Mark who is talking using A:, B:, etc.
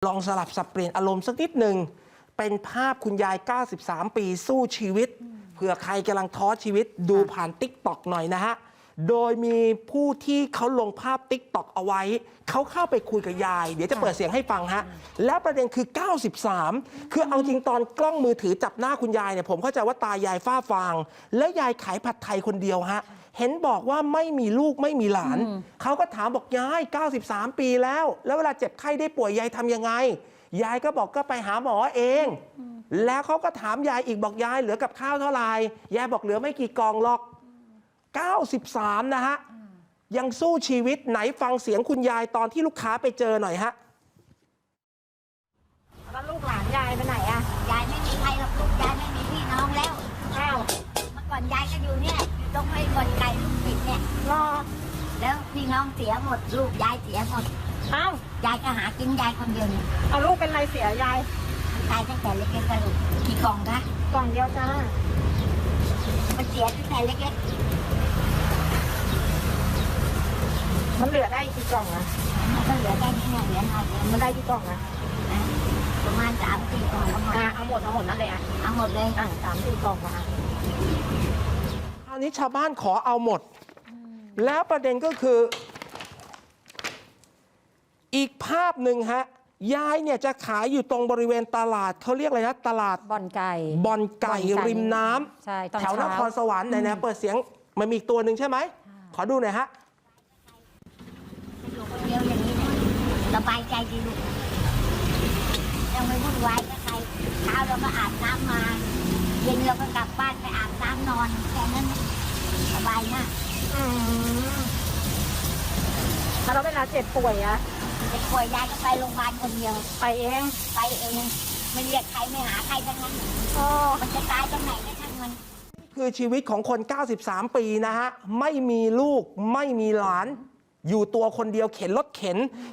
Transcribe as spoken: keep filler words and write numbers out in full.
A: ลองสลับสับเปลี่ยนอารมณ์สักนิดหนึ่งเป็นภาพคุณยายเก้าสิบสามปีสู้ชีวิตเผื่อใครกำลังท้อชีวิตดูผ่านติ๊กต็อกหน่อยนะฮะโดยมีผู้ที่เขาลงภาพติ๊กต็อกเอาไว้เขาเข้าไปคุยกับยายเดี๋ยวจะเปิดเสียงให้ฟังฮะแล้วประเด็นคือเก้าสิบสามคือเอาจริงตอนกล้องมือถือจับหน้าคุณยายเนี่ยผมเข้าใจว่าตายายฝ้าฟางและยายขายผัดไทยคนเดียวฮะเห็นบอกว่าไม่มีลูกไม่มีหลานเขาก็ถามบอกยายเก้าสิบสามปีแล้วแล้วเวลาเจ็บไข้ได้ป่วยยายทำยังไงยายก็บอกก็ไปหาหมอเองแล้วเขาก็ถามยายอีกบอกยายเหลือกับข้าวเท่าไหร่ยายบอกเหลือไม่กี่กล่องหรอกเก้าสิบสามนะฮะยังสู้ชีวิตไหนฟังเสียงคุณยายตอนที่ลูกค้าไปเจอหน่อยฮะ
B: แล้วลูกหลานยายไปไหนอะ
C: ยายไม่มีใครหรอกลูกยายไม่มีพี่น้องแล้ว
B: อ้าว
C: เมื่อก่อนยายก็อยู่เนี่ยอยู่ตรงไอ้บ่อนไก่ลูกปิดเนี่ย
B: รอ
C: แล้วพี่น้องเสียหมดลูกยายเสียหมด
B: อ้าวย
C: ายก็หากินยายคนเดียวเนี่ย
B: เอาลูกเป็นไรเสียยาย
C: ตายตั้งแต่เล็กๆก็ลูกกี่กล่องคะ
B: กล่องเดียวจ้า
C: มันเสียตั้งแต่เล็ก
B: มันเหลือได้กี่กล่องอะ
C: ๆมันก็เหลือแค่นี้เนี่ยเหลือน้อยเดียว
B: มันได้กี่กล่องอะ
C: นะประมาณสามสี่กล่องก็หมด
B: อ่ะเอาหมดเอาหมดนั่นเลยอะ
C: เอาหมดเลย
B: อ่ะสามสี่กล่องมา
A: คราวนี้ชาวบ้านขอเอาหมดแล้วประเด็นก็คืออีกภาพหนึ่งฮะยายเนี่ยจะขายอยู่ตรงบริเวณตลาดเขาเรียกอะไรนะตลาด
D: บ่อนไก่
A: บ่อนไก่
D: บ่อนไก่
A: ริมน้ำ
D: ใช่ตอน
A: แถวน
D: เช้า
A: ครสวรรค์ไหนนะเปิดเสียงมันมีอีกตัวหนึ่งใช่ไหมขอดูหน่อยฮะ
C: อยู่คนเดียวอย่างนี้เนี่ยสบายใจดีลูกยังไม่วุ่นวายกับใครเช้าเราก็อาบน้ำมาเย็นเราก็กลับบ้านไปอาบน้ำนอนแค่นั้นสบายมาก
B: อืมแล้วเวลาเจ็บป่วยอะ
C: เด็กป่วยยายก็ไปโรงพยาบาลคนเดียว
B: ไปเอง
C: ไปเองไม่เรียกใครไม่หาใครทั้งนั้น
B: โอ้
C: มันจะตายตรงไหนก็ช่างมัน
A: คือชีวิตของคน เก้าสิบสาม ปีนะฮะ ไม่มีลูก ไม่มีหลาน อยู่ตัวคนเดียวเข็นรถเข็น